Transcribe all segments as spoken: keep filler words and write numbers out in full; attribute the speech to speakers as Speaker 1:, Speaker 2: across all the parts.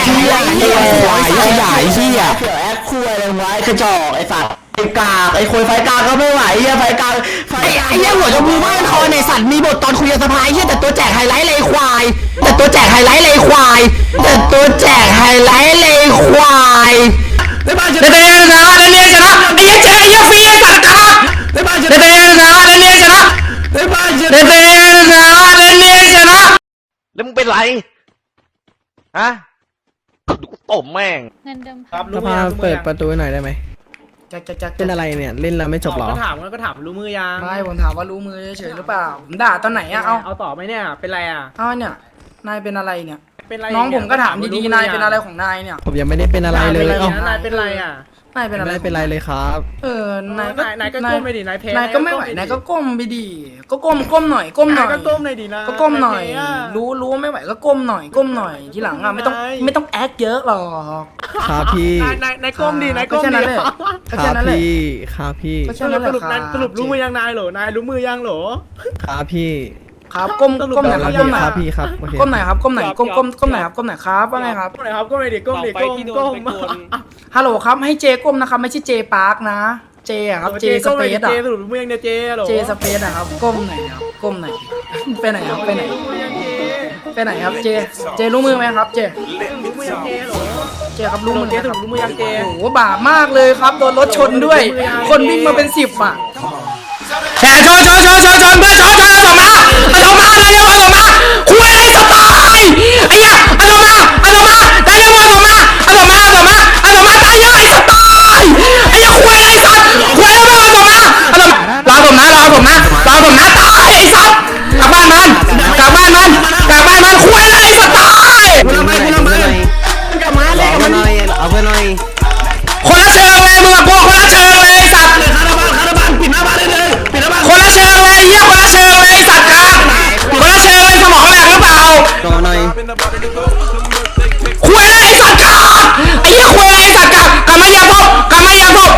Speaker 1: เหี้ยไอ้ควายไอ้ใหญ่เหี้ยเสือแอคคุยอะไรไว้กระจอกไอ้สัตว์ไอ้กากไอ้คุยไฟกากก็ไม่ไหวเหี้ยไฟกากไอ้ไอ้เหี้ยหัวจมูกบ้านคอในสัตว์มีบทตอนคุยกับสภาเหี้ยแต่ตัวแจกไฮไลท์เลยควายแต่ตัวแจกไฮไลท์เลยควายแต่ตัวแจกไฮไลท์เลยควายในบ้านจะเตะนะในเนี่ยชนะไอ้เจ๊ไอ้ฟรีไอ้สัตว์ครับในบ้านจะเตะนะในเนี่ยชนะในบ้านจะเตะนะในเนี่ยชนะ
Speaker 2: แล้วมึงเป็นไรฮะดูกูตบแม่ง
Speaker 3: เงินเดิม
Speaker 4: ครับ
Speaker 5: สภาเปิดประตูหน่อยได้ไหม
Speaker 4: จะจะจะ
Speaker 5: เป็นอะไรเนี่ยเล่นแล้วไม่จบหรอ
Speaker 4: ก็ถามก็ถามรู้มือยัง
Speaker 6: ไม่ผมถามว่ารู้มือเฉยหรือเปล่าผมด่าตอนไหนอะเอา
Speaker 4: เอาต่อไหมเนี่ยเป็นไรอะ
Speaker 6: เอาเนี่ยนายเป็นอะไรเนี่ย
Speaker 4: เป็นไร
Speaker 6: น้องผมก็ถามดีๆนายเป็นอะไรของนายเนี่ย
Speaker 5: ผมยังไม่ได้เป็นอะไรเลย
Speaker 4: เอ้านายเป็นไรอะ
Speaker 6: นายเป็นอะไร
Speaker 5: ไม่เป็นไรเลยครับ
Speaker 6: เออนายก็
Speaker 4: นายก็ก้มไปดินายเพล
Speaker 6: นายก็ไม่ไหวนายก็ก้มไปดิก็ก้มก้มหน่อยก้มหน่อย
Speaker 4: ก็ก้มหน่อยดินะ
Speaker 6: ก็ก้มหน่อยรู้รู้ไม่ไหวก็ก้มหน่อยก้มหน่อยทีหลังอะไม่ต้องไม่ต้องแอคเยอะหรอก
Speaker 5: ครับพี่
Speaker 4: นายนายนายก้มดินายก้มดิ
Speaker 5: ครับพี่ครับพี่
Speaker 6: ก็แค่นั้นแหละครับ
Speaker 4: สรุปรู้มือยังนายเหรอนายรู้มือยังเหรอ
Speaker 5: ครับพี่
Speaker 6: ครับก้มก้มไหนครับก้มไหน
Speaker 5: ครับพี่ครับ
Speaker 6: ก้มไหนครับก้มไหนก้มก้มก้มไหนครับก้มไหนครับว่าไงครับ
Speaker 4: ก้มไหนครับก้มไหนดิก้มดิก้มก้ม
Speaker 6: ฮัลโหลครับให้เจก้มนะครับไม่ใช่เจปาร์คนะเจอะครับเจสเปซอะ
Speaker 4: เจสรุปรู้มือยังเนี่ยเจเหรอ
Speaker 6: เจสเปซอะครับก้มไหนครับก้มไหนไปไหนครับไปไหนไปไหนครับเจเจรู้มือไหมครับเจ
Speaker 4: รู้มือยังเจเหรอ
Speaker 6: เจครับรู้มือ
Speaker 4: เจสรุปรู้มือยังเจ
Speaker 6: โอ้โหบาปมากเลยครับโดนรถชนด้วยคนวิ่งมาเป็นสิบอะแหมชนชนชนชนชนเพื่อนชนชนเอามาเอามาอะไรเอามาคุยอะไรสไตล์ไอ้เหี้ยเอามาเอามาได้แล้วเอามาเอามาเอามาเอามาตายเยอะไอ้สไตล์ไอ้เหี้ยคุยอะไรสัตว์คุยแล้วเอามาเอามารอผมนะรอผมนะรอผมนะตายไอ้สัตว์กลับบ้านมันกลับบ้านมันกลับบ้านมันคุยอะไรสไตล์
Speaker 1: กูละไม่กูละไม่กลับมาเลยกลับมาหน่อยเอาไปหน่อย
Speaker 6: คนละเชิงเลยมึงกับพวกคนละเชิงเลยสัตว์
Speaker 1: คาราบาลคาราบาลปิดหน้าบ้านได้เลยปิดหน้าบ้าน
Speaker 6: คนละเชิงเลยเยี่ยคนละเชิงเลยสัตว์ครับคนละเชิงเลยสมองแหลกหรือเปล่า
Speaker 1: ต่อหน่อย
Speaker 6: คุยอะไรสัตว์กับไอ้เหี้ยคุยอะไรสัตว์กับกลับมาอย่าทุบกลับมาอย่าทุบ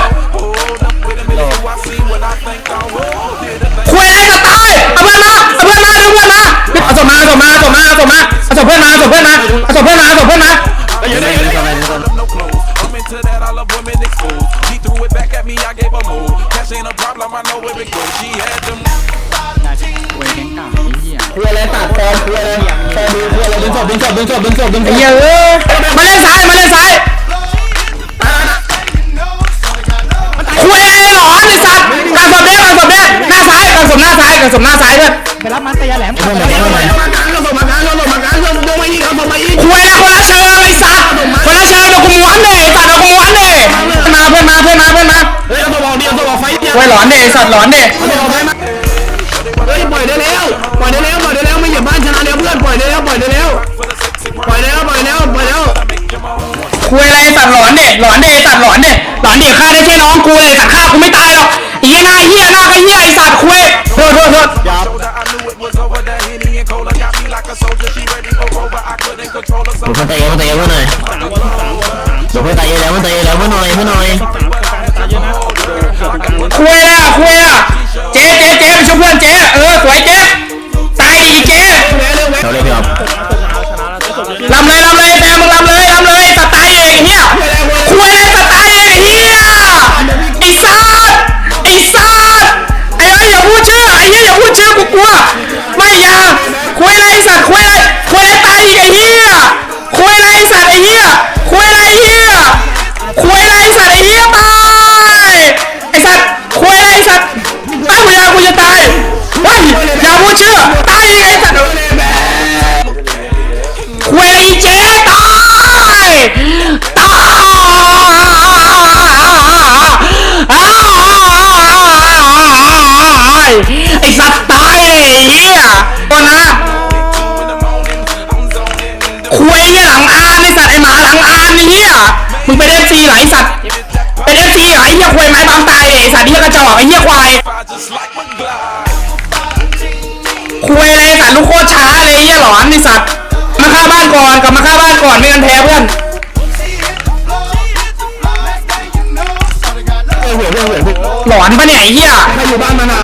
Speaker 6: คุยอะไรสไตล์เอาเพื่อนมาเอาเพื่อนมาเอาเพื่อนมาเอาศพมาเอาศพมาเอาศพมาเอาศพมาเอาศพเพื่อนมาเอาศพเพื่อนมาเอาศพเพื่อนมาเอาศพเพื่อนมา
Speaker 1: เยอะเลยเยอะเลย
Speaker 7: To that, I love women exposed. He threw it back at me, I gave a move. Cash ain't a problem, I know where it goes. She had them.
Speaker 1: คุยอะไรตัดฟอร์มคุยอะไรฟอร์มคุยอะไรดึงศพดึงศพดึงศพดึงศพดึงศพ
Speaker 6: ไอ้เหี้ยเอ้ยมาเล่นซ้ายมาเล่นซ้ายคุยอะไรหรอไอ้สัตว์การสมเด็จการสมเด็จหน้าซ้ายการสมหน้าซ้ายการสมหน้าซ้ายด้วยไปรับมันตะยาแหลมคุยอะไรคนละเชิงไอ้สัตว์คนละเชิงเดี๋ยวกูม้วนเลยสัตว์เดี๋ยวกูม้วนเลยมาเพื่อนมาเพื่อนมาเพื่อนมา
Speaker 1: เฮ้ยเอาตัวบอกเดียวตัวบอกไฟเดียว
Speaker 6: คุยหลอนเด็สัตว์หลอนเด็
Speaker 1: เฮ้ยปล่อยได้แล้วปล่อยได้แล้วปล่อยได้แล้วไม่เหยียบบ้านชนะแล้วเพื่อนปล่อยได้แล้วปล่อยได้แล้วปล่อยแล้วปล่อยแล้วปล่อยแล้ว
Speaker 6: คุยอะไรสัตว์หลอนเด็หลอนเด็สัตว์หลอนเด็หลอนเด็ฆ่าได้แค่น้องกูเลยสัตว์ฆ่ากูไม่ตายหรอกอีหน้าเหี้ยหน้าก็เหี้ยไอ้สัตว์คุยโทษโทษโทษ
Speaker 1: ผมเตะผมเตะเพื่อนหน่อยผมเตะแล้วผมเตะแล้วเพื่อนหน่อยเพื่อนหน่อย
Speaker 6: คุยอ่ะคุยอ่ะเจ๊เจ๊เจ๊ไปช่วยเพื่อนเจ๊เออสวยเจ๊ตายดิเจ๊
Speaker 1: เขาเลยพี่ครับ
Speaker 6: ลำเลยลำเลยแซมมึงลำเลยลำเลยสไตล์เองเฮียคุยอะไรสไตล์เองเฮียไอ้สัสไอ้สัสไอ้เอ้ยอย่าพูดชื่อไอ้เหี้ยอย่าพูดชื่อกูกลัวไม่อย่าคุยอะไรสัตว์คุยอะไรคุยอะไรตายอีกไอ้เหี้ยคุยอะไรสัตว์ไอ้เหี้ยคุยอะไรเหี้ยคุยอะไรสัตว์ไอ้เหี้ยตายไอ้สัตว์คุยอะไรสัตว์ไอ้กูอยากกูจะตายเฮ้ยอย่าพูดชื่อตายอีกไอ้สัตว์คุยอะไรเจ๊ตายตายไอ้สัตว์ตายเหี้ยตัวนะคุยเนี่ยหลังอานไอ้สัตว์ไอ้หมาหลังอานไอ้เหี้ยมึงเป็นเอฟซีเหรอไอ้สัตว์เป็นเอฟซีเหรอไอ้เหี้ยคุยไม้บางตายไอ้สัตว์เหี้ยกระจอกไอ้เหี้ยควายคุยอะไรไอ้สัตว์ลูกโคตรช้าเลยไอ้เหี้ยหลอนไอ้สัตว์มาฆ่าบ้านก่อนกลับมาฆ่าบ้านก่อนไม่งั้นแพ้เพื่อนหลอนปะเนี่ยไอ้เหี้ย
Speaker 1: ใครอยู่บ้านมันอ่ะ